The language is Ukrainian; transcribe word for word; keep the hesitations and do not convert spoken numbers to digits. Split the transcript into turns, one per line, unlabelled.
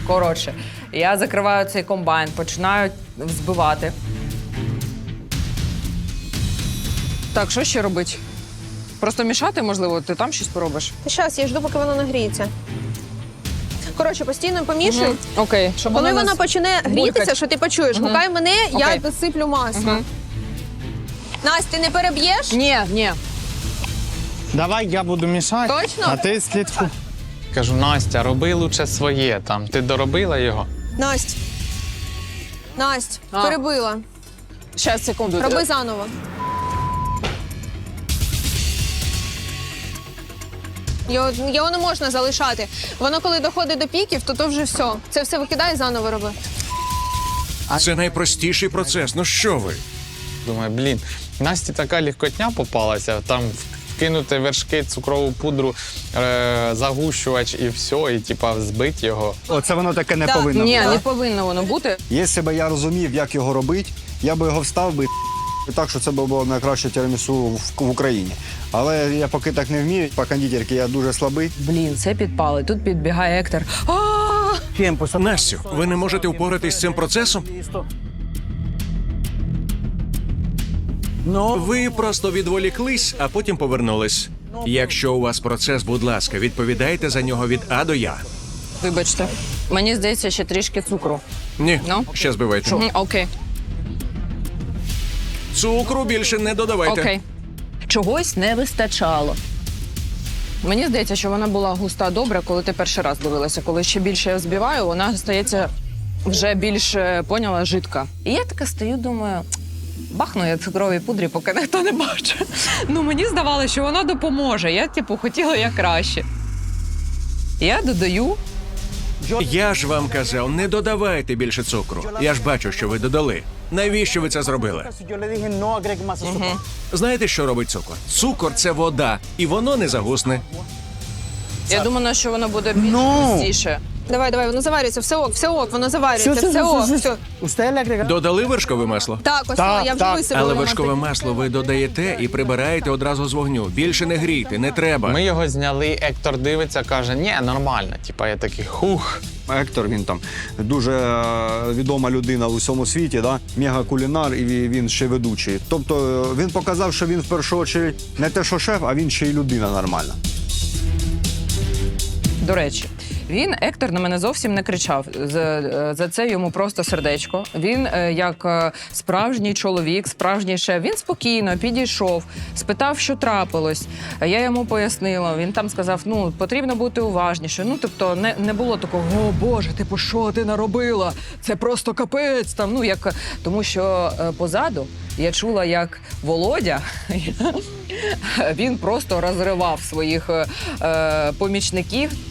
Коротше, я закриваю цей комбайн, починаю взбивати. Так, що ще робити? Просто мішати, можливо, ти там щось поробиш?
Та щас, я жду, поки воно нагріється. Коротше, постійно помішуй.
Угу. Окей. Щоб
Коли
воно
вона
нас
почне грітися,
булькать.
що ти почуєш,
Угу.
гукай мене, я
Окей.
досиплю масло.
Угу.
Настя, ти не переб'єш?
Ні, ні.
Давай я буду мішати,
Точно?
а ти слідкуй. Кажу, Настя, роби лучше своє там. Ти доробила його?
Насть. Насть,
А.
перебила.
Щас, секунду.
Роби заново. Його, його не можна залишати. Воно коли доходить до піків, то то вже все. Це все викидай і заново роби.
Це найпростіший процес. Ну що ви?
Думаю, блін, Насті така легкотня попалася, там вкинути вершки, цукрову пудру, е- загущувач і все, і типа збити його.
Оце воно таке не
Да.
повинно
Ні,
бути.
не повинно воно бути.
Якщо б я розумів, як його робити, я би його встав би і так, що це б було найкраще тірамісу в, в Україні. Але я поки так не вмію, по кондитерці я дуже слабий.
Блін, це підпали. Тут підбігає Ектор. А!
Настю, ви не можете впоратись з цим процесом? Ви просто відволіклись, а потім повернулись. Якщо у вас процес, будь ласка, відповідайте за нього від А до Я.
Вибачте. Мені здається, ще трішки цукру.
Ні,
Ну?
ще збивайте.
Мгм, Окей.
Цукру більше не додавайте.
Окей. Чогось не вистачало. Мені здається, що вона була густа добре, коли ти перший раз дивилася. Коли ще більше я взбиваю, вона стається вже більш, е, поняла, жидка. І я така стою, думаю, бахну я цукровій пудрі, поки ніхто не бачить. Ну, мені здавалося, що вона допоможе. Я, типу, хотіла як краще. Я додаю.
Я ж вам казав, не додавайте більше цукру. Я ж бачу, що ви додали. Навіщо ви це зробили? Знаєте, що робить цукор? Цукор – це вода, і воно не загусне.
Я думала, що воно буде більш густіше.
Давай, давай, воно заварюється, все ок, все ок, воно заварюється, все ок, все.
Додали вершкове масло?
Так, ось
Так,
я вже
так.
висипала.
Але
воно.
вершкове масло ви додаєте і прибираєте одразу з вогню. Більше не грійте, не треба.
Ми його зняли, Ектор дивиться, каже, ні, нормально. Типа я такий, хух.
Ектор, він там дуже е, відома людина у всьому світі, да? Мега-кулінар, і він ще ведучий. Тобто е, він показав, що він в першу чергу не те, що шеф, а він ще й людина нормальна.
До речі, він, Ектор, на мене зовсім не кричав. За, за це йому просто сердечко. Він, е, як е, справжній чоловік, справжній шеф, він спокійно підійшов, спитав, що трапилось. Я йому пояснила. Він там сказав, ну, потрібно бути уважніше. Ну, тобто, не, не було такого, о, Боже, типу, що ти наробила? Це просто капець. Там, ну, як... Тому що е, позаду я чула, як Володя, він просто розривав своїх е, помічників